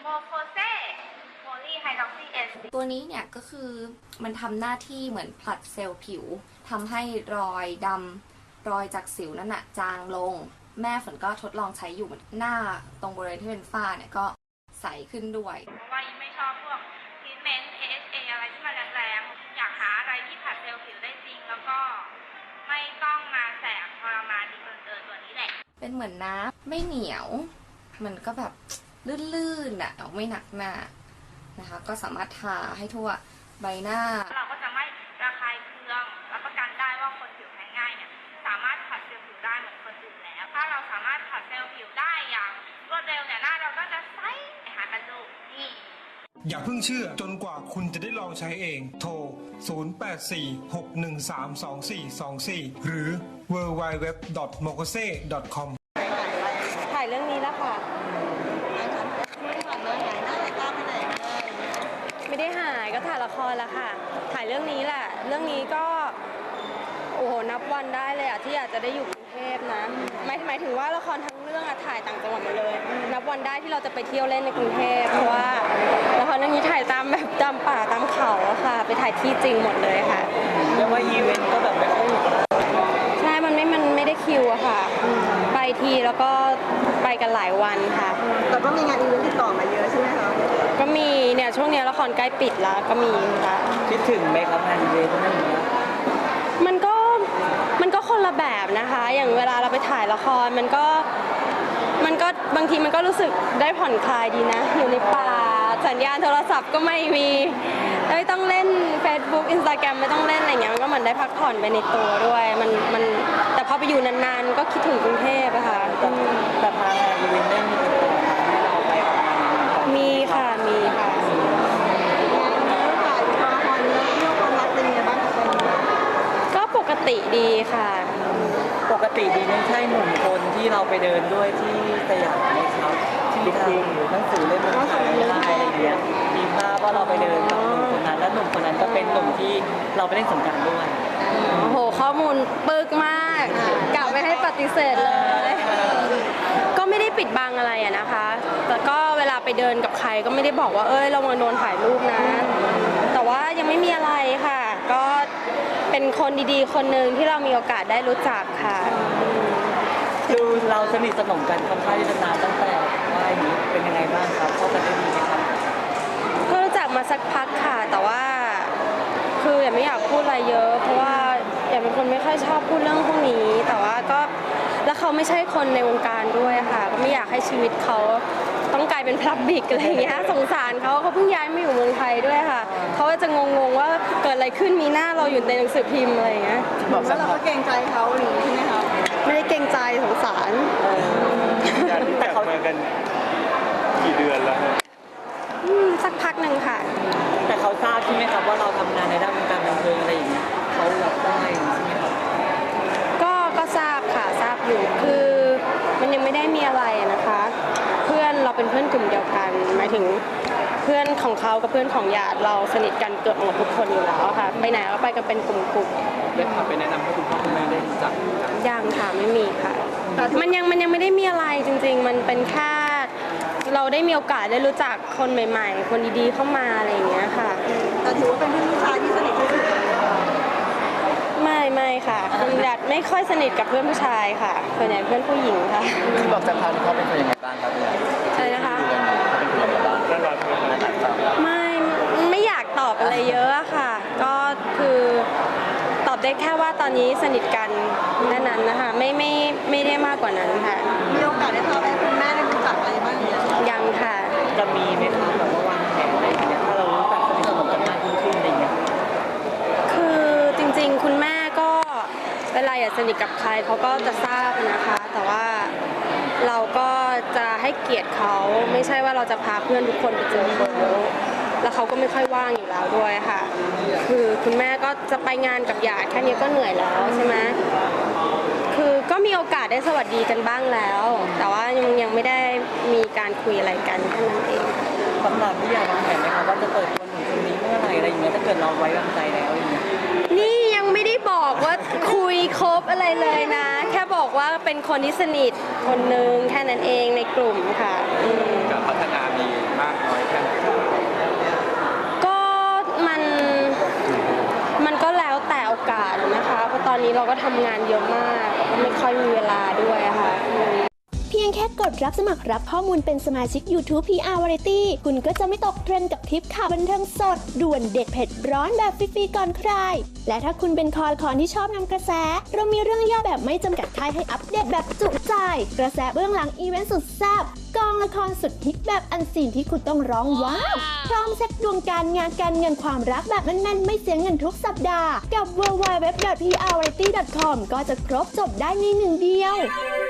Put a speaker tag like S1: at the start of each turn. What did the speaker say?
S1: โคเซโพลีไฮดรอกซีเอส
S2: ตัวนี้เนี่ยก็คือมันทำหน้าที่เหมือนผลัดเซลล์ผิวทำให้รอยดำรอยจากสิวนั่นน่ะจางลงแม่ฝนก็ทดลองใช้อยู่หน้าตรงบริเวณที่เป็นฝ้าเนี่ยก็ใสขึ้นด้วย
S1: เพราะว่ายิ่งไม่ชอบพวกทรีทเมนต์ AHA อะไรที่มันแรงๆอยากหาอะไรที่ผลัดเซลล์ผิวได้จริงแล้วก็ไม่ต้องมาแสบทรมานดีเกินตัวนี้แหละ
S2: เป็นเหมือนน้ำไม่เหนียวมันก็แบบลื่นๆอ่ะไม่หนักหน้านะคะก็สามารถทาให้ทั่วใบหน้า
S1: เราก็จะไม่ระคายเคืองรับประกันได้ว่าคนผิวแพ้ง่ายเนี่ยสามารถผลัดเซลล์ผิวได้เหมือนคนอื่นแล้วถ้าเราสามารถผลัดเซลล์ผิวได้อย่างรวดเร็วเนี่ยหน้าเราก็จะใสหากันดูนี่
S3: อย่าเพิ่งเชื่อจนกว่าคุณจะได้ลองใช้เอง โทร 0846132424 หรือ www.mokose.com
S4: ถ่ายเรื่องนี้แล้วค่ะไม่ได้หายก็ถ่ายละครแล้วค่ะถ่ายเรื่องนี้แหละเรื่องนี้ก็โอ้โหนับวันได้เลยที่อยากจะได้อยู่กรุงเทพนะหมายถึงว่าละครทั้งเรื่องถ่ายต่างจังหวัดหมดเลยนับวันได้ที่เราจะไปเที่ยวเล่นในกรุงเทพเพราะว่าละครเรื่องนี้ถ่ายตามแบบตามป่าตามเขาค่ะไปถ่ายที่จริงหมดเลยค่ะ
S5: เรียกว่าอีเวนต์ก็แบบไม่ค่อย
S4: ใช่มันไม่ได้คิวอะค่ะไปทีแล้วก็ไปกันหลายวันค่ะ
S6: แต่ก็มีงานอีเวนต์ติดต่อมาเยอะใช่ไหมคะ
S4: ก็มีเนี่ยช่วงนี้ละครใกล้ปิดแล้วก็มีค่ะ
S5: คิดถึงไหมครับงานอีเวนต์นั่นเอง
S4: มันก็คนละแบบนะคะอย่างเวลาเราไปถ่ายละครมันก็บางทีมันก็รู้สึกได้ผ่อนคลายดีนะอยู่ในป่าสัญญาณโทรศัพท์ก็ไม่มีไม่ต้องเล่น Facebook Instagram ไม่ต้องเล่นอะไรอย่างเงี้ยมันก็เหมือนได้พักผ่อนไปในตัวด้วยมันแต่พอไปอยู่นานๆก็คิดถึงกรุงเทพอะค่ะ
S5: แต่ทางงานอีเวนต์ได้มีติดต่อให้เราไปออกงาน
S4: มีค่ะ
S6: ถ่ายละครเรื่องความรักเป็นยังไงบ้างคะ
S4: ก็ปกติดีค่ะ
S5: ปกติดีไม่ใช่หนุ่มคนที่เราไปเดินด้วยที่สยามไหมครับที่ทางหนังสือเล่มนึงขายได้อะไรอย่างเงี้ยมีภาพว่าเราไปเดินกับหนุ่มคนนั้นและหนุ่มคนนั้นก็เป็นหนุ่มที่เราไปเล่นสงกรานต์ด้วย
S4: โอ้โหข้อมูลปึกมากกะไม่ให้ปฏิเสธเลยก็ไม่ได้ปิดบังอะไรอะนะคะแต่ก็เวลาไปเดินกับใครก็ไม่ได้บอกว่าระวังโดนถ่ายรูปนะแต่ว่ายังไม่มีอะไรค่ะก็เป็นคนดีๆคนหนึ่งที่เรามีโอกาสได้รู้จักค่ะ
S5: ดูเราสนิทสนมกันค่อนข้างที่จะนานตั้งแต่ว่าอย่างนี้เป็นยังไงบ้างครับเข้ากันได้ดีไหมครับ
S4: ก็รู้จักมาสักพักค่ะแต่ว่าคืออย่าไม่อยากพูดอะไรเยอะเพราะว่าอย่าเป็นคนไม่ค่อยชอบพูดเรื่องพวกนี้แต่ว่าก็แล้วเขาไม่ใช่คนในวงการด้วยค่ะก็ไม่อยากให้ชีวิตเขาต้องกลายเป็นพลับบิกอะไรอย่างเงี้ยสงสารเขาเพิ่งย้ายมาอยู่เมืองไทยด้วยค่ะเขาจะงงว่าเกิดอะไรขึ้นมีหน้าเราอยู่ในหนังสือพิมพ์อะไรอย่างเงี้ย
S6: บอกว่าเราก็เกรงใจเขาหรือใช่ไหมคะ
S4: ไม่ได้เกรงใจสงสาร
S3: แต่เขามากันกี่เดือนแล้ว
S4: สักพักหนึ่งค่ะ
S5: แต่เขาทราบใช่ไหมครับว่าเราทำงานในด้านวงการบันเทิงอะไรอย่างเงี้ยเขารับได้ใช่ไหมครับ
S4: ก็ทราบค่ะทราบอยู่คือมันยังไม่ได้มีอะไรนะคะเพื่อนเราเป็นเพื่อนกลุ่มเดียวกันหมายถึงเพื่อนของเขากับเพื่อนของญาติเราสนิทกันเกือบหมดทุกคนอยู่แล้วค่ะไปไหนก็ไปกันเป็นกลุ่มๆ
S5: ได้พาไปแนะนำให้คุณพ่อคุณแม่ได้รู้จัก
S4: ยังค่ะไม่มีค่ะมันยังไม่ได้มีอะไรจริงๆมันเป็นแค่เราได้มีโอกาสได้รู้จักคนใหม่ๆคนดีๆเข้ามาอะไรอย่างเงี้ยค่ะ
S6: แต่ถือว่าเป็นเพื่อนผู้ชายที่สนิทที่สุด
S4: ไม่ค่ะคุณญาติไม่ค่อยสนิทกับเพื่อนผู้ชายค่ะส่วนใหญ่เพื่อนผู้หญิงค่ะ
S5: บอกจากเขาเขาเป็นคนยังไงบ้างครับ
S4: ใช่นะคะไม่อยากตอบอะไรเยอะค่ะก็คือตอบได้แค่ว่าตอนนี้สนิทกันแค่นั้นนะคะไม่ได้มากกว่านั้นค่ะ
S6: มีโอกาสได้พาไปคุณแม่ได้รู้จักอะไรบ้าง
S4: ยังค่ะ
S5: จะมีไหมครับแบบว่าวางแผนอะไรอย่างเงี้ยถ้าเรารู้จักสนิทสนมกันมากขึ้นอะไรอย่างเงี้ย
S4: คือจริงๆคุณแม่ก็เวลาอยากสนิทกับใครเขาก็จะทราบนะคะแต่ว่าเราก็จะให้เกียรติเขาไม่ใช่ว่าเราจะพาเพื่อนทุกคนไปเจอเขาแล้วเขาก็ไม่ค่อยว่างอยู่แล้วด้วยค่ะคือคุณแม่ก็จะไปงานกับญาติแค่นี้ก็เหนื่อยแล้วใช่ไหมคือก็มีโอกาสได้สวัสดีกันบ้างแล้วแต่ว่ายังไม่ได้มีการคุยอะไรกันแค่นั้นเอง
S5: สำหรับที่อยากวางแผนไหมครับว่าจะเปิดคนหนุ่มคนนี้เมื่อไหร่อะไรอย่างเงี้ยถ้าเกิดเราไว้วางใจแล้วอย่างเงี้ย
S4: นี่ยังไม่ได้บอกว่าคุยคบอะไรเลยนะแค่บอกว่าเป็นคนที่สนิทคนนึงแค่นั้นเองในกลุ่มค่ะ
S5: การพัฒนามีมาก
S4: ำงานเยอะมากแล้วก็ไม่ค่อยมีเวลาด้วยอะค่ะ
S7: เพียงแค่กดรับสมัครรับข้อมูลเป็นสมาชิก YouTube PR Variety คุณก็จะไม่ตกเทรนด์กับทริปข่าวบันเทิงสด ด่วนเด็ดเผ็ดร้อนแบบฟรีๆก่อนใคร และถ้าคุณเป็นคอละครที่ชอบนำกระแส เรามีเรื่องย่อแบบไม่จำกัดค่ายให้อัปเดตแบบจุใจ กระแสเบื้องหลังอีเวนต์สุดแซ่บกองละครสุดฮิตแบบอันซีนที่คุณต้องร้องว้าว พร้อมเซ็ตดวงการงานการเงินความรักแบบแน่นๆไม่เสียเงินทุกสัปดาห์กับ www.prvariety.com ก็จะครบจบได้ในหนึ่งเดียว